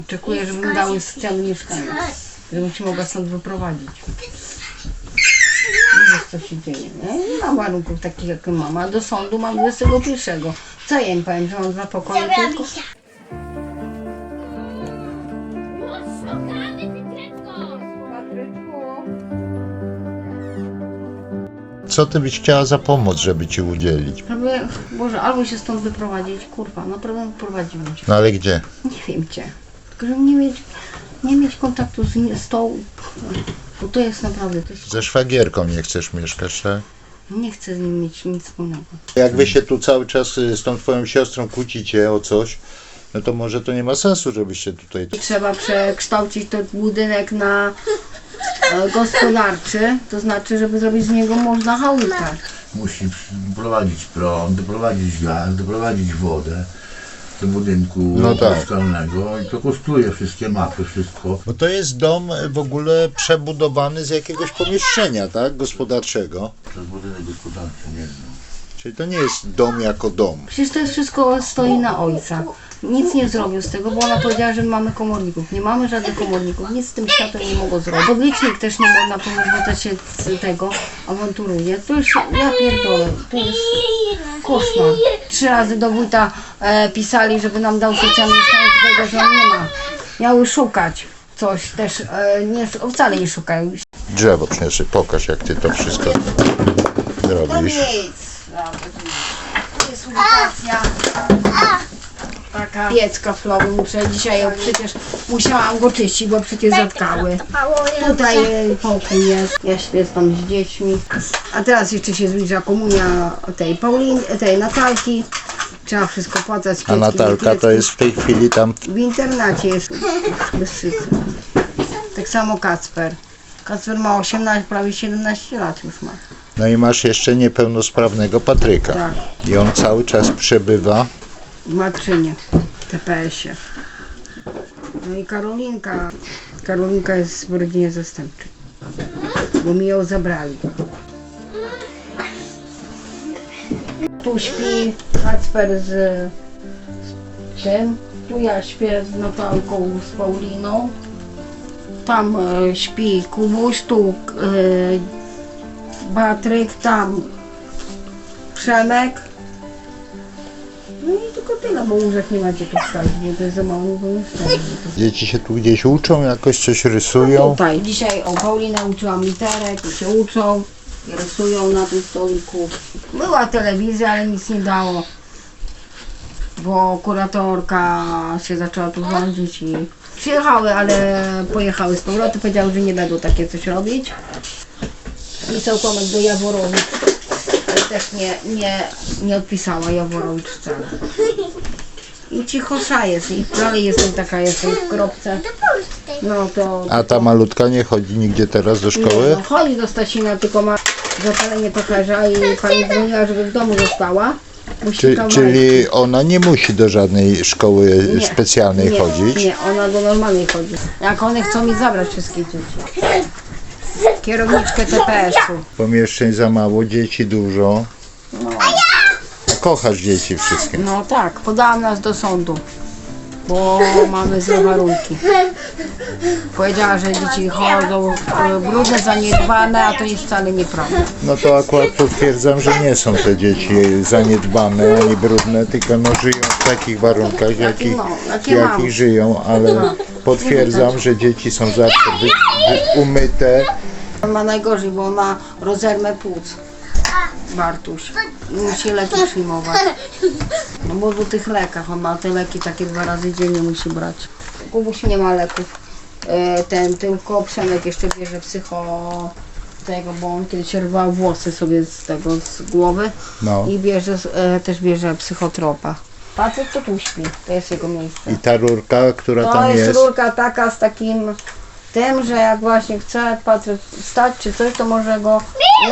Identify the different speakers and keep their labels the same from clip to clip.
Speaker 1: Oczekuję, żeby mi dały socjalne mieszkanie, żebym się mogła stąd wyprowadzić. Nie wiesz, co się dzieje, nie? Nie ma warunków takich, jak mam, a do sądu mam 21. Co ja im powiem, że mam 2 pokoje tylko?
Speaker 2: Co ty byś chciała za pomoc, żeby ci udzielić?
Speaker 1: Prawie, Boże, albo się stąd wyprowadzić, kurwa, naprawdę wyprowadziłem się.
Speaker 2: No ale gdzie?
Speaker 1: Nie wiem gdzie. Tylko żeby nie mieć kontaktu z tą, bo to jest naprawdę, to jest,
Speaker 2: Ze szwagierką nie chcesz mieszkać, tak?
Speaker 1: nie chcę z nim mieć nic wspólnego.
Speaker 2: Jak wy się tu cały czas z tą twoją siostrą kłócicie o coś, no to może to nie ma sensu, żebyście tutaj...
Speaker 1: Trzeba przekształcić ten budynek na gospodarczy, to znaczy, żeby zrobić z niego można chałupę.
Speaker 3: Musi doprowadzić prąd, doprowadzić gaz, doprowadzić wodę do budynku
Speaker 2: No tak.
Speaker 3: mieszkalnego i to kosztuje wszystkie mapy, wszystko.
Speaker 2: Bo to jest dom w ogóle przebudowany z jakiegoś pomieszczenia, tak? Gospodarczego.
Speaker 3: Przez budynek gospodarczy nie znam.
Speaker 2: Czyli to nie jest dom jako dom.
Speaker 1: Przecież to jest wszystko stoi na ojca. Nic nie zrobił z tego, bo ona powiedziała, że mamy komorników. Nie mamy żadnych komorników, nic z tym światem nie mogło zrobić. Podlicznik też nie można pomóc, bo to się z tego awanturuje. To już, ja pierdolę, to jest koszmar. 3 razy do wójta pisali, żeby nam dał socjalny stan, tego, że on nie ma. Miały szukać coś też, wcale nie szukają.
Speaker 2: Drzewo przyniosę, pokaż jak ty to wszystko robisz.
Speaker 1: To jest ubikacja. Taka piec kaflowy, muszę dzisiaj przecież musiałam go czyścić, bo przecież zatkały. Tutaj pokój jest, ja śpię tam z dziećmi. A teraz jeszcze się zbliża komunia tej Natalki. Trzeba wszystko płacać.
Speaker 2: A Natalka to jest w tej chwili tam...
Speaker 1: W internacie jest bez szycy. Tak samo Kacper. Kacper ma 18, prawie 17 lat już ma.
Speaker 2: No i masz jeszcze niepełnosprawnego Patryka.
Speaker 1: Tak.
Speaker 2: I on cały czas przebywa.
Speaker 1: W Matrynie, w TPS-ie. No i Karolinka. Karolinka jest w rodzinie zastępczej, bo mi ją zabrali. Tu śpi Kacper z tym. Tu ja śpię z Natalką, z Pauliną. Tam śpi Kubuś, tu Patryk, tam Przemek. No i tylko tyle, bo łóżek nie macie tu wstawić, bo to jest za mało pomieszczenie.
Speaker 2: Dzieci się tu gdzieś uczą, jakoś coś rysują.
Speaker 1: Tutaj dzisiaj Paulinę uczyłam literek i się uczą i rysują na tym stoliku. Była telewizja, ale nic nie dało, bo kuratorka się zaczęła tu rządzić i przyjechały, ale pojechały z powrotem, powiedziały, że nie będą takie coś robić. Pisał Tomek do Jaworowicz, ale też nie odpisała Jaworowicz wcale. I cichosza jest i dalej jestem taka, jestem w kropce. No to...
Speaker 2: A ta malutka nie chodzi nigdzie teraz do szkoły?
Speaker 1: No, chodzi do Stasina, tylko ma zapalenie pacharza i pani dzwoniła, żeby w domu została. Musi kawałek-
Speaker 2: Czyli ona nie musi do żadnej szkoły
Speaker 1: Nie,
Speaker 2: specjalnej chodzić?
Speaker 1: Nie, ona do normalnej chodzi. Jak one chcą mi zabrać wszystkie dzieci. Kierowniczkę TPS-u.
Speaker 2: Pomieszczeń za mało, dzieci dużo.
Speaker 1: No.
Speaker 2: Kochasz dzieci wszystkie.
Speaker 1: No tak, podałam nas do sądu, bo mamy złe warunki. Powiedziała, że dzieci chodzą brudne, zaniedbane, a to jest wcale nieprawda.
Speaker 2: No to akurat potwierdzam, że nie są te dzieci zaniedbane ani brudne, tylko no żyją w takich warunkach, jakich
Speaker 1: mam.
Speaker 2: żyją, ale potwierdzam, że dzieci są zawsze umyte.
Speaker 1: On ma najgorzej, bo on ma rozermę płuc. Bartuś. I musi leki przyjmować. No bo w tych lekach, on ma te leki takie 2 razy dziennie musi brać. Kubuś nie ma leków. Tylko Przemek jeszcze bierze tego, bo on kiedyś rwał włosy sobie z głowy
Speaker 2: No.
Speaker 1: i też bierze psychotropa. Facet to tu śpi, to jest jego miejsce.
Speaker 2: I ta rurka, która
Speaker 1: To
Speaker 2: tam
Speaker 1: jest
Speaker 2: jest,
Speaker 1: rurka taka z takim tym, że jak właśnie chce Patryk wstać czy coś, to może go...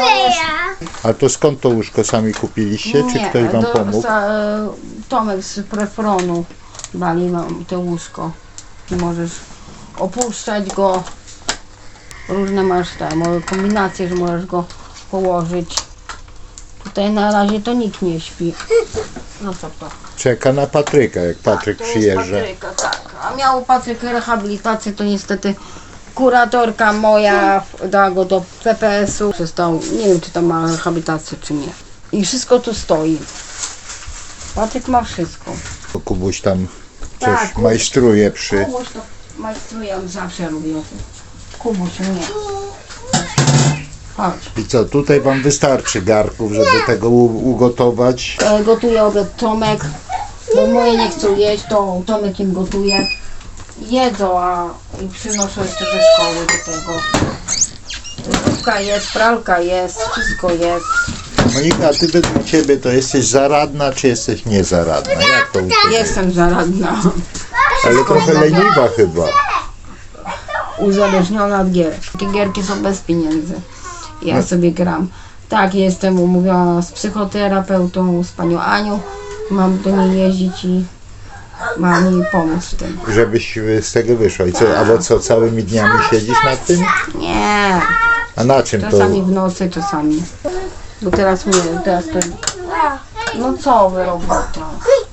Speaker 2: a to skąd to łóżko sami kupiliście, czy ktoś wam pomógł?
Speaker 1: Tomek z Prefronu dali nam to łóżko. I możesz opuszczać go. Różne masz kombinacje, że możesz go położyć. Tutaj na razie to nikt nie śpi. No co to?
Speaker 2: Czeka na Patryka, jak Patryk
Speaker 1: To jest
Speaker 2: przyjeżdża.
Speaker 1: Patryka, tak. A miał Patryk rehabilitację, to niestety kuratorka moja dała go do CPS-u. Przestał, nie wiem czy tam ma rehabilitację czy nie. I wszystko tu stoi. Patryk ma wszystko.
Speaker 2: Bo Kubuś tam
Speaker 1: Tak,
Speaker 2: coś
Speaker 1: Kubuś.
Speaker 2: majstruje przy...
Speaker 1: Kubuś to majstruje, on zawsze lubił. Kubuś mnie. Chodź.
Speaker 2: I co, tutaj wam wystarczy garnków, żeby tego ugotować?
Speaker 1: Gotuje obiad Tomek, bo moje nie chcą jeść, to Tomek im gotuje. Jedzą, a i przynoszą jeszcze ze szkoły do tego. Lodówka jest, pralka jest, wszystko jest.
Speaker 2: Monika, a ty według ciebie to jesteś zaradna, czy jesteś niezaradna? Jak to u ciebie?
Speaker 1: Jestem zaradna,
Speaker 2: Ale trochę leniwa chyba.
Speaker 1: uzależniona od gier. Takie gierki są bez pieniędzy. Ja sobie gram. Tak, jestem umówiona z psychoterapeutą, z panią Anią. Mam do niej jeździć i mam jej pomóc w tym.
Speaker 2: Żebyś z tego wyszła. I co, albo co, całymi dniami siedzisz nad tym?
Speaker 1: Nie,
Speaker 2: A na czym to?
Speaker 1: czasami w nocy, czasami. Bo teraz mnie, teraz to... No co wy robota?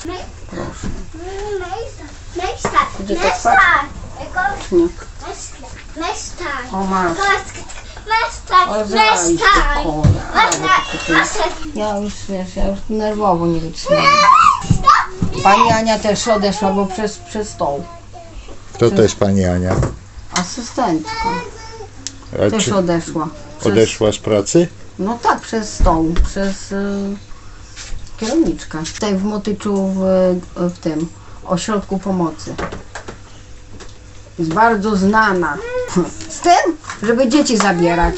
Speaker 1: Gdzie to spać? Nie. O masz. O zajść do Ja już, wiesz, ja już nerwowo nie wytrzymam. Pani Ania też odeszła, bo przez stoł.
Speaker 2: Kto to jest pani Ania?
Speaker 1: Asystentka
Speaker 2: A
Speaker 1: też
Speaker 2: czy
Speaker 1: odeszła.
Speaker 2: odeszła z pracy?
Speaker 1: No tak, przez stoł, przez kierowniczkę. Tutaj w Motyczu w tym ośrodku pomocy. Jest bardzo znana. Z tym, żeby dzieci zabierać.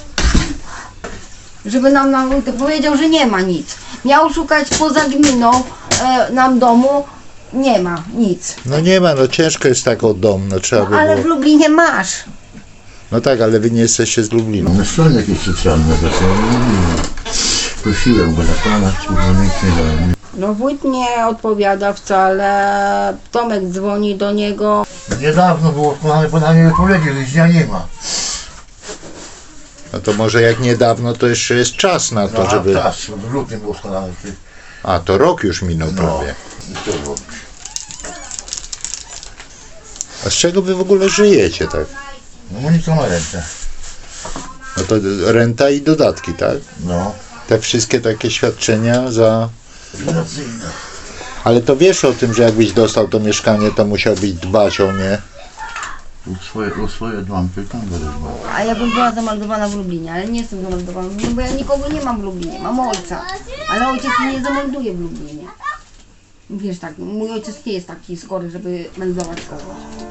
Speaker 1: Żeby nam powiedział, że nie ma nic. Miał szukać poza gminą nam domu. Nie ma nic.
Speaker 2: No nie ma, no ciężko jest tak o dom, no trzeba by
Speaker 1: Ale w
Speaker 2: było...
Speaker 1: Lublinie masz.
Speaker 2: No tak, ale wy nie jesteście z Lublina.
Speaker 3: Na stronie jakieś socjalne rzeczy, ale nie wiem. Prosiłem go na pana, kurwa, nic nie dałem.
Speaker 1: No wójt nie odpowiada wcale. Tomek dzwoni do niego.
Speaker 3: Niedawno było podanie wypowiedzi, że dnia nie ma.
Speaker 2: No to może jak niedawno, to jeszcze jest czas na to,
Speaker 3: No,
Speaker 2: żeby...
Speaker 3: czas, w lutym było składane.
Speaker 2: A, to rok już minął
Speaker 3: No,
Speaker 2: prawie.
Speaker 3: i co robić?
Speaker 2: A z czego wy w ogóle żyjecie, tak?
Speaker 3: No Monika ma ręce.
Speaker 2: No to renta i dodatki, tak?
Speaker 3: No.
Speaker 2: Te wszystkie takie świadczenia za...
Speaker 3: Relacyjne.
Speaker 2: Ale to wiesz o tym, że jakbyś dostał to mieszkanie, to musiałbyś dbać o nie.
Speaker 3: O swoje dłam pytam, bo też
Speaker 1: A ja bym była zameldowana w Lublinie, ale nie jestem zameldowana w Lublinie, bo ja nikogo nie mam w Lublinie. Mam ojca, ale ojciec mnie nie zamelduje w Lublinie. Wiesz tak, mój ojciec nie jest taki skory, żeby meldować kogoś.